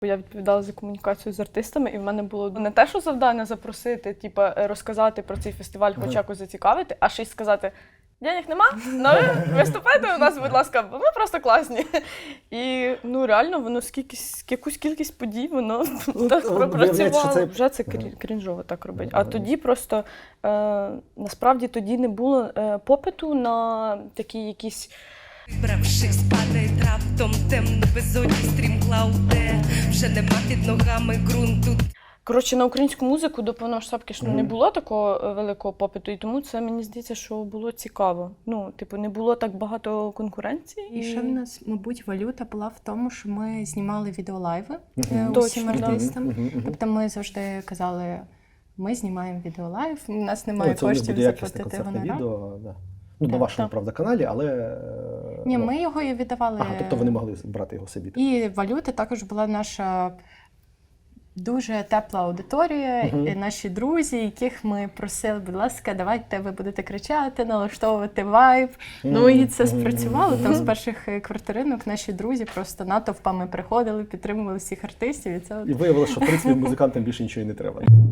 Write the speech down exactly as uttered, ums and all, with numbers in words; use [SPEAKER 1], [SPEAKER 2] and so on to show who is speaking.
[SPEAKER 1] Я відповідала за комунікацію з артистами, і в мене було не те, що завдання запросити, типу, розказати про цей фестиваль, хоч якось зацікавити, а ще й сказати: денег нема, ну ви виступайте у нас, будь ласка, бо ми просто класні. І ну реально воно скільки, якусь кількість подій, воно так пропрацювало. Це... Вже це крінжово так робить. А тоді просто, е, насправді, тоді не було е, попиту на такі якісь...
[SPEAKER 2] Бравшись, падає раптом темно безодні стрімклауде, вже нема під ногами ґрунту.
[SPEAKER 1] Коротше, на українську музику до повномасштабки mm-hmm. не було такого великого попиту, і тому це, мені здається, що було цікаво. Ну, типу, не було так багато конкуренції.
[SPEAKER 3] І ще в нас, мабуть, валюта була в тому, що ми знімали відеолайви
[SPEAKER 1] mm-hmm.
[SPEAKER 3] усім
[SPEAKER 1] Точно,
[SPEAKER 3] артистам.
[SPEAKER 1] Mm-hmm.
[SPEAKER 3] Тобто ми завжди казали, ми знімаємо відеолайв, у нас немає
[SPEAKER 4] ну,
[SPEAKER 3] коштів заплатити гонорар.
[SPEAKER 4] Відео, да. Ну, на вашому,
[SPEAKER 3] так.
[SPEAKER 4] правда, каналі, але...
[SPEAKER 3] Ні,
[SPEAKER 4] ну...
[SPEAKER 3] ми його і віддавали.
[SPEAKER 4] Ага, тобто ви не могли брати його собі.
[SPEAKER 3] І валюта також була наша дуже тепла аудиторія,
[SPEAKER 4] uh-huh.
[SPEAKER 3] і наші друзі, яких ми просили, будь ласка, давайте ви будете кричати, налаштовувати вайб. Uh-huh. Ну і це спрацювало. Там з перших квартиринок наші друзі просто натовпами приходили, підтримували всіх артистів. І це
[SPEAKER 4] і виявилося, що в принципі музикантам більше нічого і не треба.